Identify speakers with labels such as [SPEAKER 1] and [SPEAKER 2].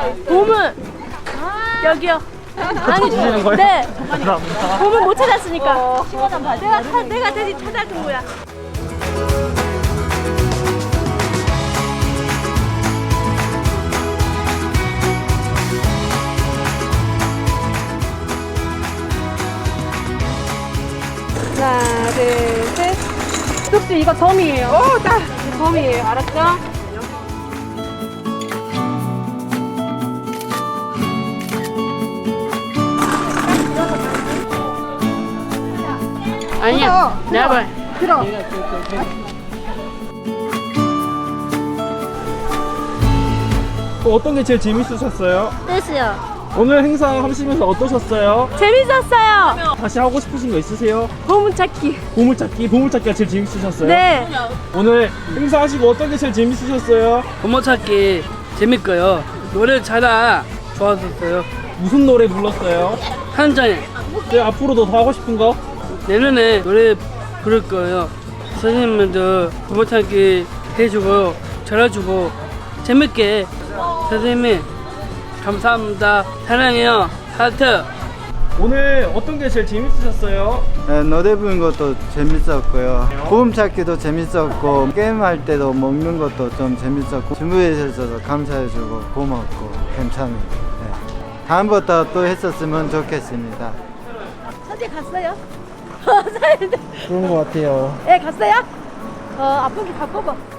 [SPEAKER 1] 보물 여기요. 아니
[SPEAKER 2] 주시는 거예요?
[SPEAKER 1] 네.
[SPEAKER 2] 감사합니다.
[SPEAKER 1] 보물 못 찾았으니까. 내가 대신 찾아준 거야. 하나, 둘, 셋. 뚝뚝 이거 덤이에요. 오, 딱 덤이에요. 알았죠? 아니야. 내가 봐. 들어.
[SPEAKER 2] 어떤 게 제일 재밌으셨어요?
[SPEAKER 1] 뜻이요.
[SPEAKER 2] 오늘 행사 하시면서 어떠셨어요?
[SPEAKER 1] 재밌었어요.
[SPEAKER 2] 다시 하고 싶으신 거 있으세요?
[SPEAKER 1] 보물찾기.
[SPEAKER 2] 보물찾기가 제일 재밌으셨어요?
[SPEAKER 1] 네.
[SPEAKER 2] 오늘 행사 하시고 어떤 게 제일 재밌으셨어요?
[SPEAKER 3] 보물찾기 재밌고요. 노래 잘하 좋았었어요.
[SPEAKER 2] 무슨 노래 불렀어요?
[SPEAKER 3] 한잔에
[SPEAKER 2] 네, 앞으로도 더 하고 싶은 거?
[SPEAKER 3] 내년에 노래 부를 거예요. 선생님들도 보물찾기 해주고 잘해주고 재밌게 선생님 감사합니다. 사랑해요. 하트.
[SPEAKER 2] 오늘 어떤 게 제일 재밌으셨어요?
[SPEAKER 4] 네, 노래 부르는 것도 재밌었고요. 보험찾기도 재밌었고 게임할 때도 먹는 것도 좀 재밌었고 준비해 주셔서 감사해주고 고맙고 괜찮아요. 네. 다음부터 또 했었으면 좋겠습니다.
[SPEAKER 1] 사진 갔어요?
[SPEAKER 2] 그런 거 같아요.
[SPEAKER 1] 네, 갔어요? 아픈 게 갖고 봐.